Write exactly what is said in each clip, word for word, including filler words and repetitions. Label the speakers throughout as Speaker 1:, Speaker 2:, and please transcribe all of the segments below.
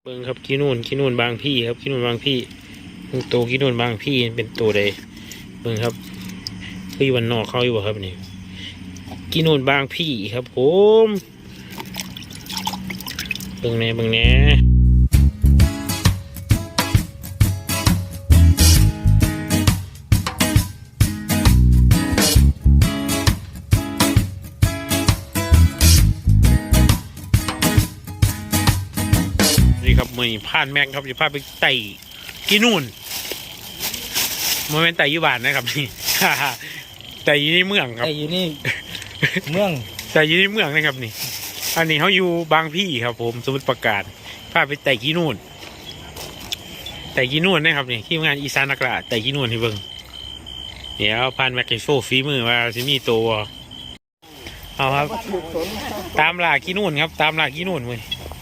Speaker 1: เบิ่งครับขี้นูนขี้นูนบางพี่ครับขี้นูนบางพี่โตขี้นูนบางพี่เป็นตัวใดเบิ่งครับคือวันนอกเขาอยู่บ่ครับนี่ขี้นูนบางพี่ครับผมเบิ่งแน่เบิ่งแน่ครับมือผ่านแม็กครับจะพาไปไต่กินนู่นโมเมนต์ไต่ยุบานนะครับนี่ ไต่ยี่นี่เมืองครับ
Speaker 2: ไต่อยู่นี่ เมือง
Speaker 1: ไต่ยี่นี่เมืองนะครับนี่อันนี้เขาอยู่บางพี่ครับผมสมุทรปราการพาไปไต่กินนู่นไต่กินนู่นนะครับนี่ที่งานอีสานนักล่าไต่กินนู่นที่เบิ้งเดี๋ยวผ่านแม็กโชว์ฝีมือว่าจะมีตัวเอาครับตามล่ากินนู่นครับตามล่ากินนู่นเว้ย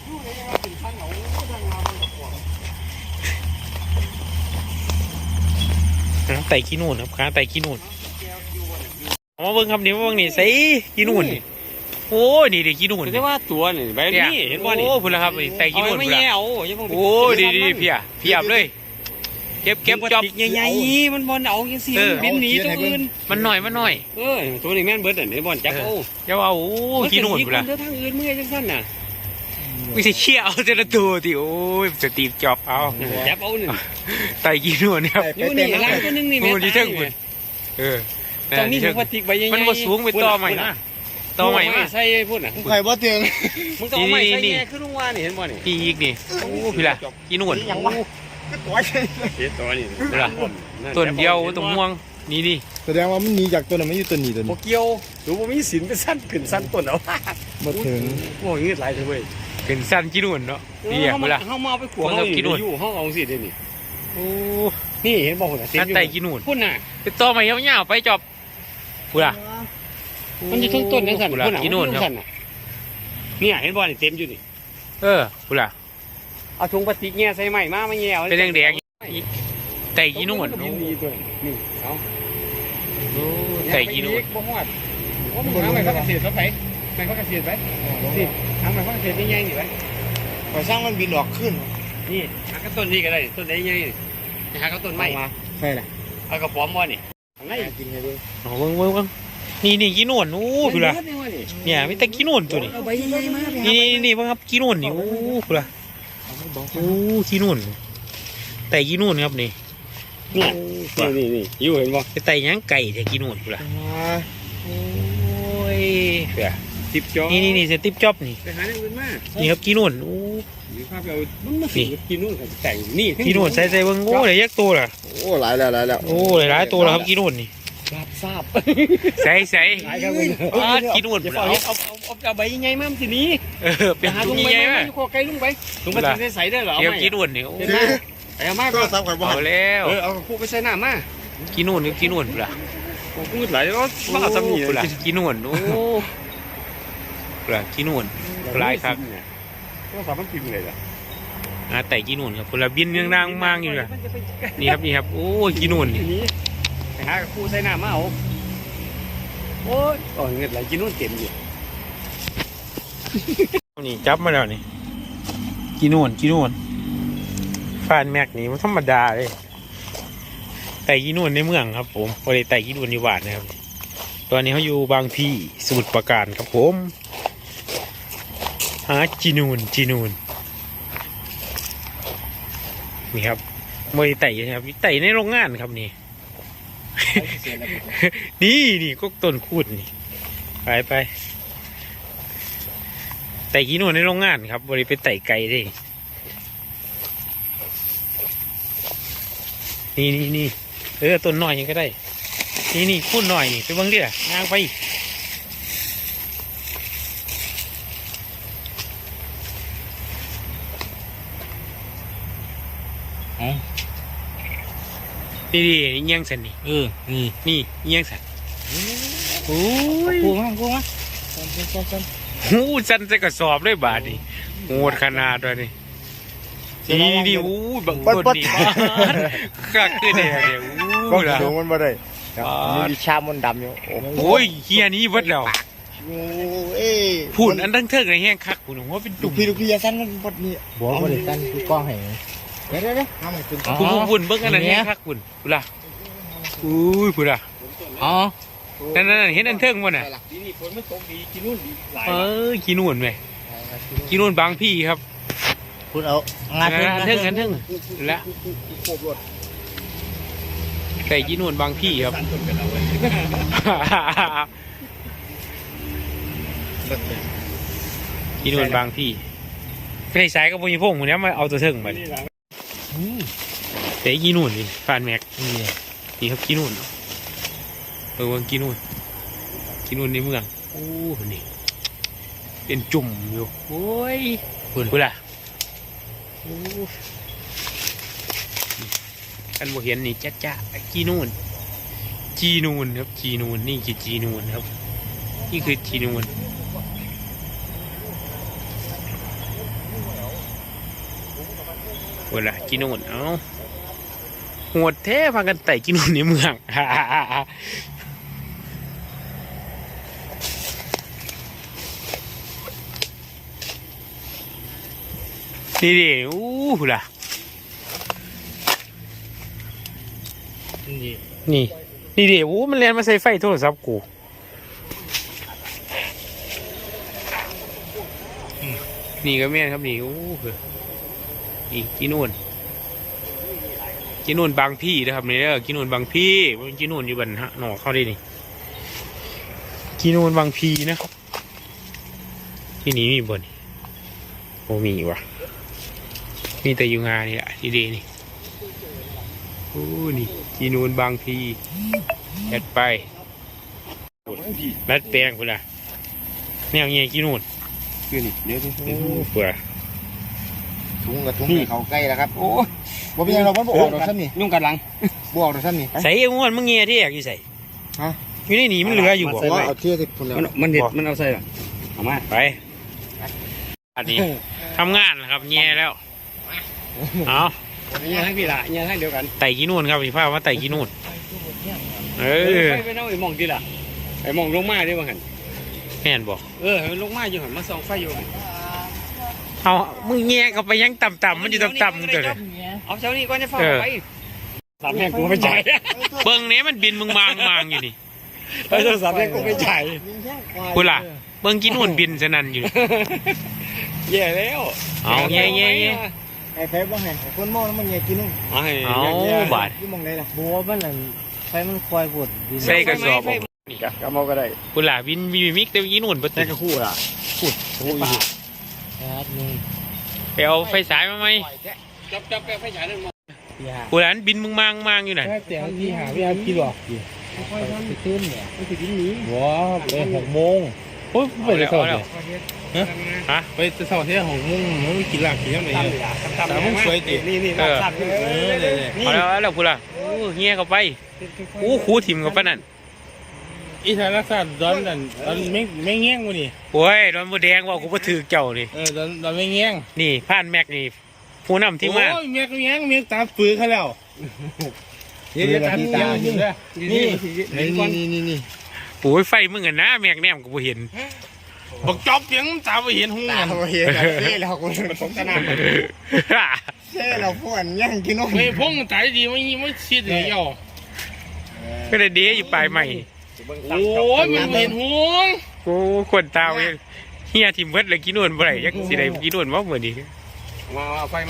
Speaker 1: ไต่ขี้นูนครับค้าไต่ขี้นูนมาเบิ้งครับนี่มาเบิ้งนี่ใส่ขี้นูนโอ้ยนี่เด็กขี้นูน
Speaker 3: แต่ว่าตัวนี่ใบนี้เห็นว่านี่
Speaker 1: โอ้พุ่นละครับนี่ไต่ขี้นูน
Speaker 3: ไม่
Speaker 1: พุ่นละ
Speaker 3: แย่โอ้ย
Speaker 1: โอ้ยดีดีเพียเพียบเลยเก็บเก็บจอบ
Speaker 3: ใหญ่ๆมันบอลเอาอย่างสิบินหนีตัวอื่น
Speaker 1: มันหน่อยมันหน่อย
Speaker 3: เออตัวนี้แม่นเบิร์ดเนี่ยบอลจับเอา
Speaker 1: เจ้าเอาโอ้ขี้นูนพุ่นละ
Speaker 3: เดินทางอื่นเมื่อจังสั้นน่ะ
Speaker 1: วิธีเชี่ยเอาเจระตัวที่โอ้ยจะตีจอบเอา
Speaker 3: จับเอาหนึ่ง
Speaker 1: ไต่ขี้นูนครับ
Speaker 3: อยู่นี่ล้างตัวนึงนี่แม่
Speaker 1: โอ้ดีเท่งพุ่นเออ
Speaker 3: ตรงนี้ถึงพลาสติกใบใหญ่ๆ
Speaker 1: มันมาสูงไปต่อใหม่นะต่อใหม่มา
Speaker 3: ใส่พูดน่ะ
Speaker 2: ไข่บ่เตียง
Speaker 3: มึงต้องเอาไม้ใส่แง่ขึ้นลงว่านี่เห็นบ่นี่
Speaker 1: อีกนี่โอ้พี่ละขี้นูน
Speaker 2: ยังวะก็ตัวใช่
Speaker 3: เห็นตัวนี่
Speaker 1: ต้นเดียวต้นม่วงนี่ดิ
Speaker 2: แสดงว่ามันหนีจากตัวนั้นไม่อยู่ตัวนี้ตัว
Speaker 3: โม
Speaker 2: นี้
Speaker 3: เกียวหรือว่ามีสินเป็นสั้นขึ้นสั้นต้นเอา
Speaker 2: บ่ถึง
Speaker 3: โอ้ยเงือดไหลเลยเว้ย
Speaker 1: เป็นสั้นขี้นูนเนาะนี่อ่ะเวลา
Speaker 3: เขามาเอาไปขวดเขาอยู่ห้องเอาสิเดี๋ยวนี้
Speaker 1: โอ้
Speaker 3: นี่เห็นบอกคนน่ะ
Speaker 1: สั้นไต่ขี้นูน
Speaker 3: พุ่นน่ะ
Speaker 1: ไปต่อใหม่ยาวๆไปจอบพูดอ่ะ
Speaker 3: มันจะทั้งต้นทั้งสัน
Speaker 1: พูด
Speaker 3: พุ่น
Speaker 1: อ่ะ
Speaker 3: น่ะ
Speaker 1: ขี้นูนครับ
Speaker 3: สันน่ะเนี่ยเห็นบอลนี่เต็มอยู่นี่
Speaker 1: เออพูดอ่ะ
Speaker 3: เอาถุงพลาสติกแง่ใส่ใหม่มาไม่แง่เอา
Speaker 1: เป็นแดงๆไต่ขี้นูน
Speaker 3: นี่นี่ตัวนี่เอา
Speaker 1: โอ้ไต่ขี้นูน
Speaker 3: บ่ฮอดว่ามึงหาใหม่พักเกษตรซะไปใหม่พักเกษตรไปนี่หาใหม่พักเกษตรใหญ่ๆนี่ไป
Speaker 2: พอสร้างมันบินออกขึ้น
Speaker 3: นี่หากระต้นนี่ก็ได้ต้นไหนใหญ่นี่หากระต้นไม้
Speaker 2: ใช่แหละ
Speaker 3: เอากระป๋อมบ่นี่ข้างใน
Speaker 2: จริงเลยด้วย
Speaker 1: โอ้เบิ้งเบิ้งเบิ้งนี่นี่ขี้นูนโอ้พูดอ่ะเนี่ยมีแต่ขี้นูนตัวนี้
Speaker 3: เอาใบใหญ่ๆมา
Speaker 1: นี่นี่นี่เบิ้งครับขี้นูนนี่โอ้พูดอ่ะโอ้ขี้นูนไต่ขี้นูนครับนี่
Speaker 3: นี่นี่นี่อยู่เห็นบ่
Speaker 1: ไปไต่ยังไก่แต่ขี้นูนพูดอ่ะโอ้ยเผื่อ
Speaker 3: ทิปจอ
Speaker 1: นี่นี่นี่เซติปจ็อบนี่
Speaker 3: ไปหาเรื่องอื่นมา
Speaker 1: นี่ครับขี้นูนโอ้
Speaker 3: หรือภาพเอามันมาสิกินนู่นกับแต่งนี่
Speaker 1: ขี้นูนใส่ใส่เบิ้งโอ้เลยยักษ์ตัวล่ะ
Speaker 2: โอ้หลายแล้วหลายแล้ว
Speaker 1: โอ้หลายๆตัวแล้วครับขี้นูนนี่
Speaker 3: ทราบทราบ
Speaker 1: ใส่ใส่
Speaker 3: หลายครับ
Speaker 1: อ้าขี้นูน
Speaker 3: อย่า
Speaker 1: เป
Speaker 3: เอา
Speaker 1: ล่า
Speaker 3: เอาเอาเอาใบยังไงมามันสินี้
Speaker 1: เออเป็น
Speaker 3: หา
Speaker 1: ตุ
Speaker 3: ถุ
Speaker 1: ง
Speaker 3: งใบ
Speaker 1: ใหญ่
Speaker 3: ไม้
Speaker 1: ไหม
Speaker 3: อยู่คอไกลลุงไปถุงพลาสติกใส่ได้เหรอ
Speaker 1: เดี๋ยวขี้นูนนี่โอ้
Speaker 3: เห็นไหมเอามา
Speaker 2: ก็
Speaker 3: ก็
Speaker 2: ซ้ำข่อยบ่
Speaker 1: เอาแล้ว
Speaker 3: เออเอาคู่ไปใส่น้ำมา
Speaker 1: ขี้นูนกับขี้นูนเปล่า
Speaker 3: โอ้กูไหลแล้วบ้าจำหนี
Speaker 1: เปล่าขี้นูนโอ้เปล่าขี้นูนลายครับ
Speaker 3: ก็สามารถพิมพ์เลยล่ะ
Speaker 1: อ่าแต่ขี้นูนครับคนละบินยังนางมางอยู่เลยนี่ครับนี่ครับโอ้ขี้นูนนี่
Speaker 3: นี้ไปหาคู่ใส่น้ำมาเอาโอ้ยโอ้ยเงินไหลกินนู่นเต็มอยู่
Speaker 1: นี่จับมาแล้วนี่ขี้นูนขี้นูนฟานแม็กนี่มันธรรมดาเลยไต่ขี้นูนในเมืองครับผมพอได้ไต่ขี้นูนในหวานนะครับตอนนี้เขาอยู่บางพี่สมุทรปราการครับผมหาจีนูนจีนูนนี่ครับไม่ได้ไต่นะครับไต่ในโรงงานครับนี่ นี่นี่ก็ต้นคูดนี่ไปไปไต่ขี้นูนในโรงงานครับบริไปไต่ไก่ได้นี่นี่นี่เออต้นหน่อยยังก็ได้นี่นี่คูดหน่อยนี่ไปเบิ่งดิล่ะงางไปนี่นี่เอียงสันนี่
Speaker 3: เออนี่
Speaker 1: นี่เอียงสันโอ้ย
Speaker 3: คู่มาคู่มา
Speaker 1: หูสันใส่กระสอบเลยบาทนี่โหดขนาดเลยนี่นี่นี่อู้บังต้นนี่ข้าขึ้นเลยเดี๋ยว
Speaker 2: ก็
Speaker 1: อู้ล่ะ
Speaker 2: สูงมันบ่ได้
Speaker 1: อ๋อ
Speaker 2: มีชามมันดำอยู่โอ้
Speaker 1: โอ้ยเฮียนี้วัดแล้ว
Speaker 2: โอ้เอ้ย
Speaker 1: พูดอันตั้งเทิงในแห้งคักคุณว่าเป็น
Speaker 2: ลู
Speaker 1: จุ่
Speaker 2: ก
Speaker 1: ม
Speaker 2: พี่ลูกพี่อยาสั้นมันบดนี่
Speaker 3: บัวบริการคือกล้องให้เดี๋ยวเดี๋ยวเดี๋ยว
Speaker 2: ทำไมเป็น
Speaker 1: คุณคุณเบิ้งอันนั้นแห้งคักคุณคุณล่ะอุ้ยคุณล่ะ
Speaker 3: อ๋อ
Speaker 1: นั่นนั่นเห็นอันเทิงมั้น่ะ
Speaker 3: ทีนี่ฝนมันตกดีกินนู่นดีหลาย
Speaker 1: เออกีนุ่นไหมกีนุ่นบางพี่ครับ
Speaker 3: คุณเอางาน
Speaker 1: อันเทิงอันเทิงละ
Speaker 2: โคบรถ
Speaker 1: ไก่กีนุ่นบางพี่ครับ กีนุ่นบางพี่ไปสายกับปุญญพงศ์คนนี้มาเอาตัวเทิงมาแต่กีนุ่นนี่ฟานแม็กนี่นี่ครับกีนุ่นเออวังกีนุ่นกีนุ่นในเมืองโอ้นี่เป็นจุ่มอยู่โอ้ยคุณคุณล่ะโอ้กันบ่เห็นนี่จ้าจ้ากีนูนจีนูนครับจีนูนนี่คือจีนูนครับนี่คือจีนูนโอ้ล่ะจีนูนเอ้าโหดแท้พากันไต่จีนูนในเมือง นี่ดิอู้ล่ะ
Speaker 3: นี่
Speaker 1: นี่ นี่ดิโอ้มันเรียนมาใส่ไฟโทรศัพท์กูนี่ก็แม่นครับนี่โอ้นี่กินนู่นกินนู่นบางพี่นะครับนี่เด้อกินนู่นบางพี่มันกินนู่นอยู่บันฮะหนอเข้าได้นี่กินนู่นบางพี่นะครับที่นี่มีบ่นโอ้มีวะมีแต่อยู่งานนี่แหละที่ดีนี่โอ้นี่กินนู่นบางพี่แอดไปรัดแปลงพุ่นล่ะแนวเงี้ยกินนู่น
Speaker 2: คือนี่เดี๋ยวดิ
Speaker 1: โอ้เผื่อ
Speaker 2: ถุงกับถุงเขาใกล้แล้วครับโอ้บ่เป็นยังเราบ่ออกดอกซ้ำนี่
Speaker 3: ยุ่งกันหลัง
Speaker 2: บ่ออกดอกซ้ำนี่
Speaker 1: ใส่เอางวนมึงเงี้ยที่อยากอยู่ใส่
Speaker 2: ฮะ
Speaker 1: อยู่ในนี่มันเหลืออยู่บ่
Speaker 2: ว่าเอาเที่ยวสิพุ่นแล้ว
Speaker 3: มันมันเด็ดมันเอาใส่หรอเอามา
Speaker 1: ไปอันนี้ทำงานนะครับเงี้ยแล้วเอา
Speaker 3: เนี่ยทั้งพี่ละเนี่ยทั้งเดียวกัน
Speaker 1: ไต่กินนู่นครับพี่พามาไต่กินนู่นเออ
Speaker 3: ไปไปเอาไอ้มองดีล่ะไอ้มองลงมาได้บ้างหัน
Speaker 1: แม่นบอก
Speaker 3: เออลงมาอยู่หันมาส่องไฟอยู่หัน
Speaker 1: เอามึงเงี้ยก็ไปยังต่ำๆมันอยู่ต่ำๆเกิดเลย
Speaker 3: เอาเช้านี้ก่อนจะฟ้าไปสามแม่กูไม่จ่าย
Speaker 1: เบิ้งเนี้ยมันบินมึงมางมางอยู่นี่
Speaker 3: เออสามแม่กูไม่จ่าย
Speaker 1: กูล่ะเบิ้งกินนู่นบินสนั่นอยู่
Speaker 3: แย่แล้ว
Speaker 1: เอาเงี้ยเงี้ยเงี้ย
Speaker 2: ไอ้ไฟบ่ให้คนมองแล้วมันไงกินนู่น
Speaker 3: เอาให้
Speaker 1: เอาบาด
Speaker 2: ที่มองไหนล่ะ
Speaker 4: บัวมันนั่นไฟมันควายปวดดิน
Speaker 1: ใส่กระสอบออก
Speaker 3: นี่กะกะเมาก็ได้
Speaker 1: กูล่ะบินมีมิกแต่กินนู่นปะ
Speaker 3: แต่กระคู่ล่ะพูดคู่อยู่
Speaker 4: แอดนี่
Speaker 1: ไปเอาไฟสายมาไหม
Speaker 3: จับจับแปะไฟฉายนั่นมา
Speaker 4: พี่หา
Speaker 1: กูล่ะบินมึงมางมางอยู่น่ะ
Speaker 4: แค่เสียงพี่หาพี่หาพี่หรอกไปขึ้นเนี่ยไปถึงนี้บัวไปหกโมงโอ้ยไปจะสอบเนี่ย
Speaker 1: ฮะ
Speaker 4: ไปจะสอบที่หกโมงมันกินหลักกินยังไง
Speaker 3: ตามมึงสวยตินี่นี่รับทราบอยู่
Speaker 4: เออเลย
Speaker 1: เอาแล้วเอาแล้วกูล่ะโอ้เงี้ยเข้าไปอู้คูถิ่มกับปะนั่น
Speaker 4: อีสานรักษาดอนนั่นดอนไม่ไม่เงี้ยงวะนี่
Speaker 1: โอ้ยโดนบูแดงว่ากูก็ถือเจ้านี่
Speaker 4: เออดอนดอนไม่เงี้ยง
Speaker 1: นี่ผ่านแม็กนี่ผู้นำที่มา
Speaker 4: โอ้ยเมียก็เงี้ยงเมียตาปืนเขาแล้วเดี๋ยวตาตาอยู่เลย
Speaker 3: นี่
Speaker 2: นี่นี่นี่นี่
Speaker 1: โอ้ยไฟมึงกันนะแม็กแนมกูบ่เห็น
Speaker 4: บอกจอบเสียงตาไปเห็นหู
Speaker 2: ตา
Speaker 4: มัน
Speaker 2: บ่เห็นเซ่เราคน
Speaker 3: ผสมกันน้ำ
Speaker 2: เซ่เราพวกย่างกินนู่น
Speaker 4: เฮ้ยพงตายดีไม่ไม่ชิดเลยย่อ
Speaker 1: ก็เลยเดียอยู่ปลายใหม่
Speaker 4: โอ้ยมันเห็นหู
Speaker 1: กูคนตาเว้ยเฮียทิมเบิดเลยกินนวลบ่ได้ยังสิได้กินนวลว่าเหมือนนี้
Speaker 3: มาเอาไฟมา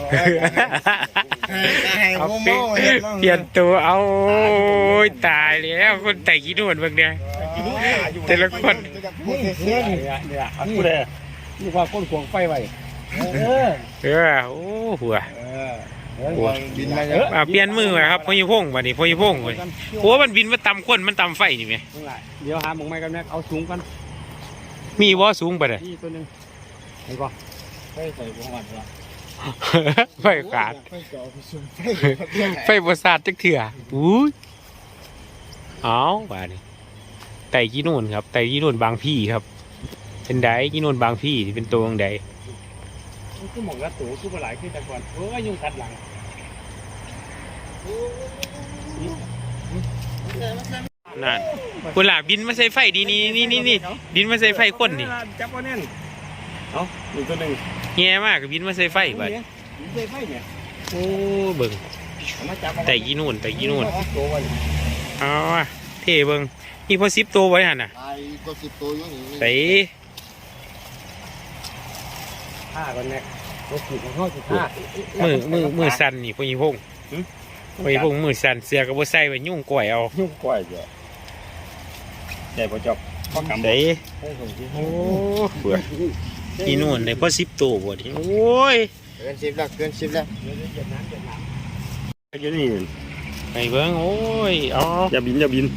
Speaker 2: ให้
Speaker 1: เอา
Speaker 2: ผม
Speaker 1: เปลี่ยน
Speaker 2: เห็น
Speaker 1: เปลี่ยนตัวเอาโอ้ยตายแล้วคนแต่กินนวลเบิ่งเนี่ยแต่ละคน
Speaker 3: เนี่ยเนี่ยเนี่ยเอากูเลยนี่ความก้นขวงไฟไว้
Speaker 4: เออ
Speaker 1: เออโอ้หัว
Speaker 2: บินมา
Speaker 1: อ่าเปลี่ยนมือมาครับพอยี่พงวันนี้พอยี่พงเลยโอ้มันบินมาตำคนมันตำไฟนี่ไหม
Speaker 3: เดี๋ยวหาหมองไม้กันแม็กเอาสูงกัน
Speaker 1: มีว่าสูงไปเลย
Speaker 3: นี่ตัวนึงเห็นป่ะไฟใส่หัวมันละ
Speaker 1: ไฟขาดไฟบริษัทจักเถื่ออุ้ยเอาว่านี่ไต่กี้นู่นครับไต่กี้นู่นบางพี่ครับ เป็นไดกี้นู่นบางพี่ที่เป็นตัวของใด
Speaker 3: คือหมองละตูคือมาหลายขึ้นแต่ก่อนโอ้ยยุ่งกัดหลัง
Speaker 1: อนั่นกุหลาบบินมาใส่ไฟดีนี่นี่นี่นี่บินมาใส่ไฟคนนี่
Speaker 3: จับว่าแน่นเอาหนึ่งตัวหนึ่ง
Speaker 1: แง่มากบินมาใส่ไฟบัด
Speaker 3: ใส่ไฟเนี่ย
Speaker 1: โอ้เบิ่ง
Speaker 3: มาจับ
Speaker 1: แต่กี่นู่นแต่กี่นู่น
Speaker 3: ตัววัน
Speaker 1: อ๋อเท่เบิ่งนี่พอสิบตัวไว้หั่นน่ะ
Speaker 2: ไอ้ตัวสิบตัวอยู่นี่
Speaker 1: ใส่
Speaker 3: ฆ่ากันเนี่ยรถขีดของเขาจะฆ่า
Speaker 1: มือมือมือสั่นนี่พอยีพงพอยีพงมือสั่นเสือก็บ่ใส่ไว้ยุ่งก่อยเอา
Speaker 3: ยุ่งกว่าจ้ะได้ปะจ๊อบพ่อกำ
Speaker 1: ใส่โอ้เบื่อกี่นู่นได้พอสิบตัวบ่ดิโอ้ย
Speaker 2: เกินสิบแล้วเกินสิบแล้ว
Speaker 3: อยู่นี่
Speaker 1: ไปเบิ่งโอ้ยเอ๋อ
Speaker 3: อย่าบินอย่าบิน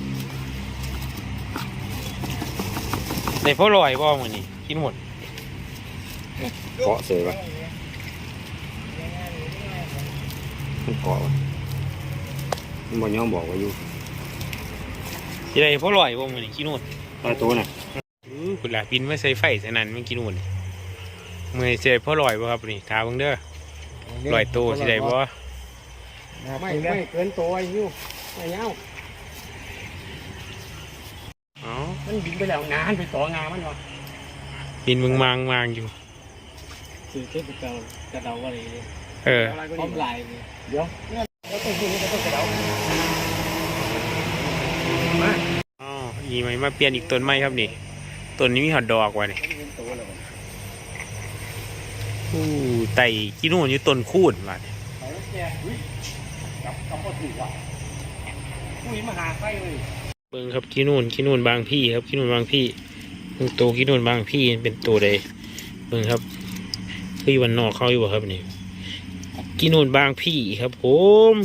Speaker 1: ได้พอลอยบ่มื้อนี้กินหมด
Speaker 3: เกาะเสยวะมันเกาะวะมันบอกย้อมบอกว่าอยู่
Speaker 1: สิได้พอลอยบ่มื้อนี้กินหมด
Speaker 3: ตายตัวน่ะ
Speaker 1: อื้อคุณล่ะบินมาใส่ไฟใส่นั่นมันกินหมดนี่มื้อนี้สิได้พอลอยบ่ครับนี่ถามเบิ่งเด้อลอยโตสิได้บ่
Speaker 3: ไม่ไม่เกินตัวไอ้ยูไอ้เงา
Speaker 1: อ๋อ
Speaker 3: มันบินไปแล้วงานไปต่องานมันวะ
Speaker 1: บินมึงมางมางอยู่
Speaker 4: คือเทพเจ้ากระเดาอะไรเนี่ย
Speaker 1: เออ
Speaker 4: พร้อมลายเลย
Speaker 3: เดี๋ยวแล้วต้องพูดแล้วต้องกระเดา
Speaker 1: อ๋ออีไหมมาเปลี่ยนอีกต้นไม้ครับนี่ต้นนี้มีหอดดอกว่ะนี่อู้ไต่กินนู่นอยู่ต้นคูนว่ะนี่
Speaker 3: เขาแก่อุ้ยจับจับพอถูกว่ะอุ้ยมาหาไฟเลย
Speaker 1: เบิ่งครับกินนู่นกินนู่นบางพี่ครับกินนู่นบางพี่เบิ่งโตกินนู่นบางพี่เป็นตัวใดเบิ่งครับคืออยู่วันนอกเขาอยู่บ่ครับนี่กินนู่นบางพี่ครับผม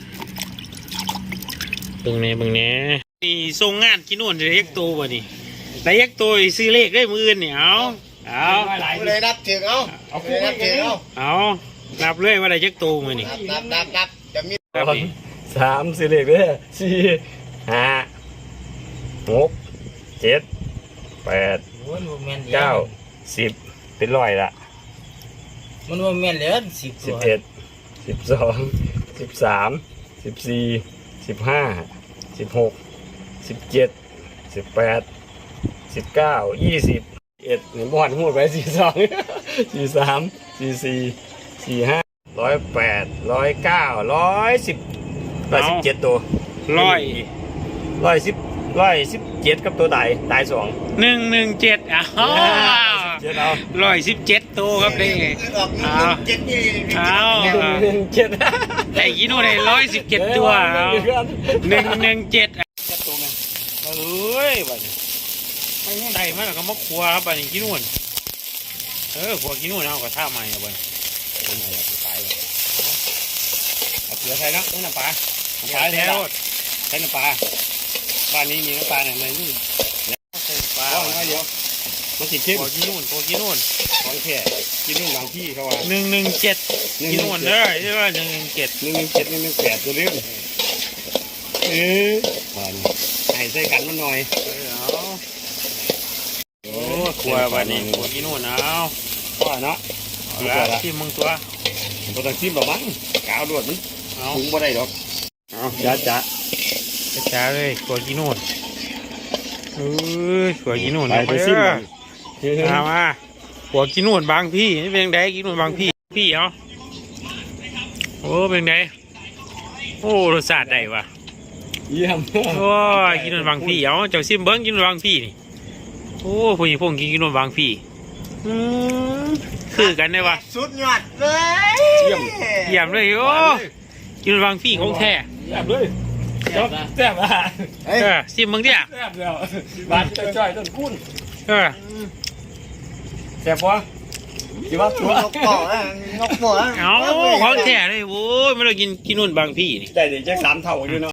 Speaker 1: เบิ่งแหน่เบิ่งแหน่นี่ส่งงานกินนู่นได้ยักโตบ่นี่ได้ยักโตซื้อเลขได้มื้ออื่นนี่เอาเอา
Speaker 2: เลยนับถึงเอาเอาเลยนับถึงเอา
Speaker 1: เอานับเลยว่าได้ยักโตมื้อนี่
Speaker 2: นับนับนับจะมี
Speaker 1: ครับนี่
Speaker 3: สามสี่เลขเลยสี่ห้าหกเจ็ดแปด
Speaker 4: มันว่าแม่น
Speaker 3: เก้าสิบเป็นร้อยละ
Speaker 4: มันว่าแม่นเหลือสิบ
Speaker 3: สิบเอ็ดสิบสองสิบสามสิบสี่สิบห้าสิบหกสิบเจ็ดสิบแปดสิบเก้ายี่สิบเอ็ดหนึ่งบอลพูดไปสี่สองสี่สามสี่สี่สี่ห้าร้อยแปดร้อยเก้าร้อยสิบร้อยสิบเจ็ดตัว
Speaker 1: ร้อย
Speaker 3: ร้อยสิบร้อยสิบเจ็ดกับตัวตายตายสอง
Speaker 1: หนึ่งหนึ่งเจ็ดอ้าว
Speaker 3: เจ็ดเอา
Speaker 1: ร้อยสิบเจ็ดตัวครับนี่
Speaker 2: ออกหนึ่งเจ็ดนี่
Speaker 1: เอา
Speaker 3: หนึ่งเจ็ด
Speaker 1: แต่กินนู่นได้ร้อยสิบเจ็ดตัวเอาหนึ่งหนึ่งเจ็ดเอ้ยบัดนี้ไต่มาแล้วก็มาครัวครับบัดนี้กินนู่นเออครัวกินนู่นเอากระทะใหม่อะบัดนี้
Speaker 3: คนไหนอยากตายเลยเอาเสือไทยนะน้ำปลา
Speaker 1: ตายแล้ว
Speaker 3: ใช้น้ำปลาบ้านนี้มีน้ำปลาไหนไหนนี่
Speaker 1: ปลา
Speaker 3: เอาหน่อยเดียวมันติดเข้ม
Speaker 1: ครัวกินนู่นครัวกินนู่น
Speaker 3: ของแท้กินนู่นบางที่เขาว่า
Speaker 1: หนึ่งหนึ่งเจ็ดกินนู่นเด้อใช่ป่ะหนึ่งหนึ่งเจ็ด
Speaker 3: หนึ่งหนึ่งเจ็ดหนึ่งหนึ่งแปดตัวเล็กเออบ้านให้ใส่กันมันหน่อย
Speaker 1: เอาโอ้ครัวบัดนี้ครัวกินนู่นเอา
Speaker 3: ว่าเนาะ
Speaker 1: เอาละที่มึงตัว
Speaker 3: ผมต้องชิมแบบมันกาวดวดมัน
Speaker 1: เอา
Speaker 3: ปรุงบ่ได้ดอกเอาจ้าจ้า
Speaker 1: ช้าๆเลยครัวกินนู่นเอ้ยครัวกินนู่น
Speaker 3: ไป
Speaker 1: เอา
Speaker 3: ไป
Speaker 1: ไป
Speaker 3: ชิม
Speaker 1: เด้อ มามาหัวกินนู่นบางพี่นี่เป็นไงกินนู่นบางพี่พี่เอาโอ้เป็นไงโอ้รสชาติได้วะ
Speaker 3: เยี่ยม
Speaker 1: โอ้ยกินนู่นบางพี่เอาเจ้าซิมเบิ้งกินนู่นบางพี่นี่โอ้ผู้หญิงพวกกินกินนู่นบางพี่อืมคือกันได้วะ
Speaker 2: สุดยอดเลย
Speaker 3: เยี่ยม
Speaker 1: เยี่ยมเลยโอ้กินนู่นบางพี่ของแท้
Speaker 3: แซ่บเลยแซ่บอ่ะ
Speaker 2: เฮ้ย
Speaker 1: เออซิมเบิ้งเนี่ย
Speaker 3: แซ่บแล้วบ้านจ้อยๆต้นกุ้น
Speaker 1: เออ
Speaker 3: แซ่บปะคิดว่าตัวน
Speaker 2: กปอกนะนกปอกนะ
Speaker 1: เอาของแท้เลยโอ้ยไม่ต้องกินกินนู่นบางพี่นี่
Speaker 3: ได้เดี๋ยวจะสามเท่าอยู่เนาะ